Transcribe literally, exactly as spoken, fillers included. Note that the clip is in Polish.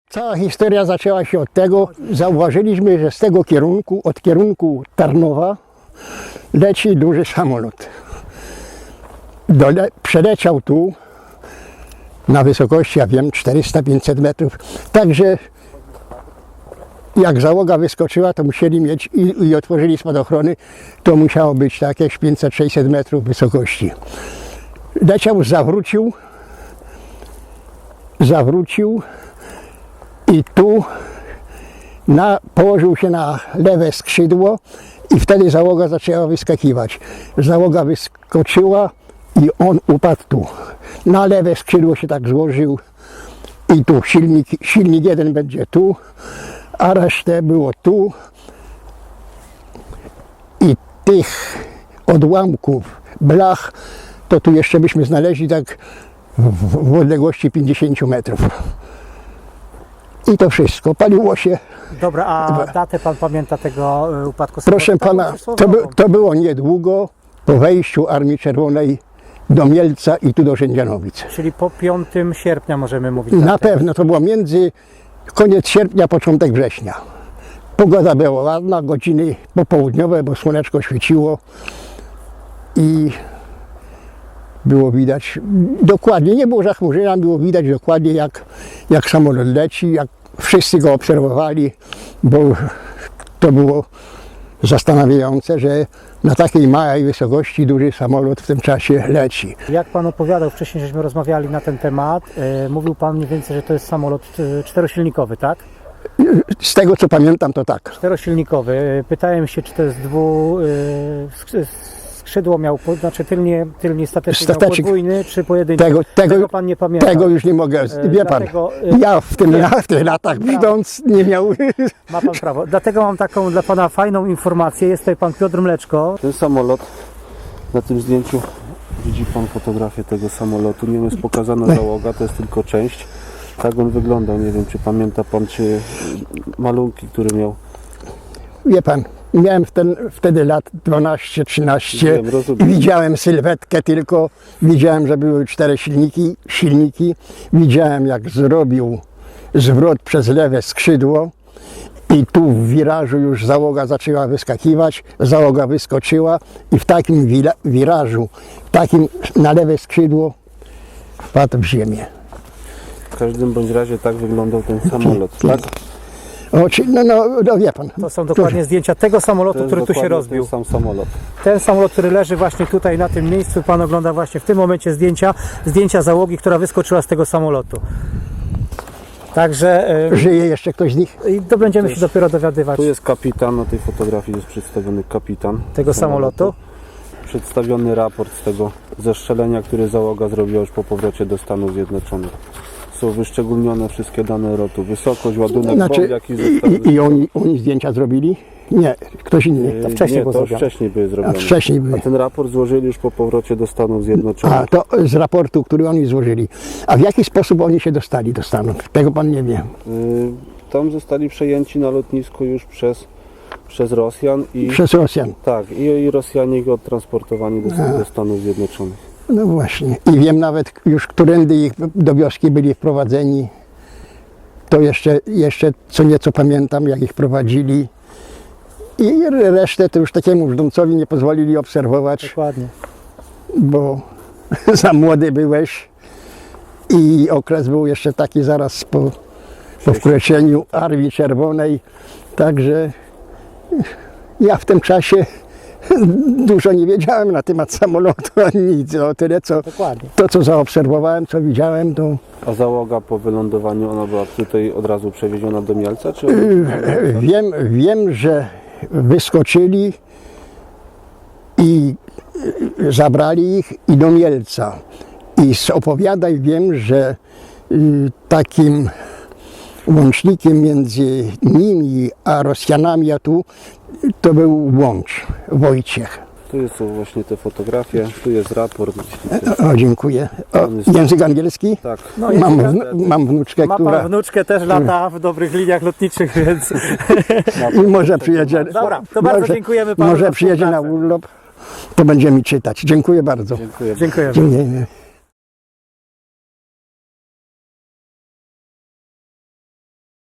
Cała historia zaczęła się od tego, zauważyliśmy, że z tego kierunku, od kierunku Tarnowa leci duży samolot. Dole, przeleciał tu na wysokości, ja wiem, czterysta pięćset metrów. Także jak załoga wyskoczyła, to musieli mieć i, i otworzyli spadochrony, to musiało być tak jakieś pięćset sześćset metrów wysokości. Leciał, zawrócił, zawrócił i tu na, położył się na lewe skrzydło i wtedy załoga zaczęła wyskakiwać. Załoga wyskoczyła i on upadł tu. Na lewe skrzydło się tak złożył i tu silnik, silnik jeden będzie tu, a resztę było tu. I tych odłamków, blach, to tu jeszcze byśmy znaleźli tak w, w odległości pięćdziesiąt metrów. I to wszystko. Paliło się. Dobra, a datę pan pamięta tego upadku? Proszę pana, to, by, to było niedługo po wejściu Armii Czerwonej do Mielca i tu do Rzędzianowic. Czyli po piątego sierpnia możemy mówić. Na pewno to było między koniec sierpnia, początek września. Pogoda była ładna, godziny popołudniowe, bo słoneczko świeciło i było widać dokładnie, nie było zachmurzenia, było widać dokładnie jak, jak samolot leci, jak wszyscy go obserwowali, bo to było zastanawiające, że na takiej małej wysokości duży samolot w tym czasie leci. Jak pan opowiadał, wcześniej żeśmy rozmawiali na ten temat, e, mówił pan mniej więcej, że to jest samolot e, czterosilnikowy, tak? Z tego co pamiętam, to tak. Czterosilnikowy. Pytałem się, czy to jest dwu... E, skrzydło miał, znaczy tylnie, tylnie stateczek miał podwójny, czy pojedynczy. Tego, tego, tego pan nie pamięta. Tego już nie mogę, wie pan. Dlatego, ja w, tym, w tych latach widząc nie miał... Ma pan prawo. Dlatego mam taką dla pana fajną informację. Jest tutaj pan Piotr Mleczko. Ten samolot, na tym zdjęciu widzi pan fotografię tego samolotu. Nie jest pokazana załoga, to jest tylko część. Tak on wyglądał. Nie wiem, czy pamięta pan, czy malunki, które miał. Wie pan, miałem wtedy, wtedy lat dwanaście trzynaście i widziałem sylwetkę tylko, widziałem, że były cztery silniki, silniki, widziałem jak zrobił zwrot przez lewe skrzydło i tu w wirażu już załoga zaczęła wyskakiwać, załoga wyskoczyła i w takim wirażu, takim na lewe skrzydło wpadł w ziemię. W każdym bądź razie tak wyglądał ten samolot, tak? O, czy, no, no, no wie pan. To są dokładnie Duży. zdjęcia tego samolotu, który tu się rozbił. Ten sam samolot. Ten samolot, który leży właśnie tutaj na tym miejscu, pan ogląda właśnie w tym momencie zdjęcia, zdjęcia załogi, która wyskoczyła z tego samolotu. Także... Żyje jeszcze ktoś z nich? I to będziemy to jest, się dopiero dowiadywać. Tu jest kapitan, na tej fotografii jest przedstawiony kapitan tego samolotu. samolotu. Przedstawiony raport z tego zestrzelenia, które załoga zrobiła już po powrocie do Stanów Zjednoczonych. Są wyszczególnione wszystkie dane lotu, wysokość, ładunek, znaczy, bomb, jaki został... I, i oni, oni zdjęcia zrobili? Nie, ktoś inny. To wcześniej nie, było to już zrobione. wcześniej były zrobione. A, wcześniej były. A ten raport złożyli już po powrocie do Stanów Zjednoczonych. A, to z raportu, który oni złożyli. A w jaki sposób oni się dostali do Stanów? Tego pan nie wie. Y, tam zostali przejęci na lotnisku już przez, przez Rosjan. I, przez Rosjan. Tak, i, i Rosjanie ich odtransportowani do, do Stanów Zjednoczonych. No właśnie. I wiem nawet już, którędy ich do wioski byli wprowadzeni. To jeszcze, jeszcze co nieco pamiętam, jak ich prowadzili. I resztę to już takiemu brzdącowi nie pozwolili obserwować. Dokładnie. Bo za młody byłeś i okres był jeszcze taki zaraz po, po wkroczeniu Armii Czerwonej. Także ja w tym czasie dużo nie wiedziałem na temat samolotu, ani nic. O tyle, co, to co zaobserwowałem, co widziałem, to... A załoga po wylądowaniu, ona była tutaj od razu przewieziona do Mielca? Czy... Wiem, wiem, że wyskoczyli i zabrali ich i do Mielca. I z opowiadań wiem, że takim łącznikiem między nimi a Rosjanami, a tu, to był Łącz, Wojciech. Tu są właśnie te fotografie, tu jest raport. O, dziękuję. O, język angielski? Tak. No, mam, wnu, mam wnuczkę, ma która... Ma pan wnuczkę, też lata w dobrych liniach lotniczych, więc... I może przyjedzie... Dobra, to bardzo może, dziękujemy panu. Może przyjedzie na urlop, to będzie mi czytać. Dziękuję bardzo. Dziękuję. Dziękuję. Dziękuję.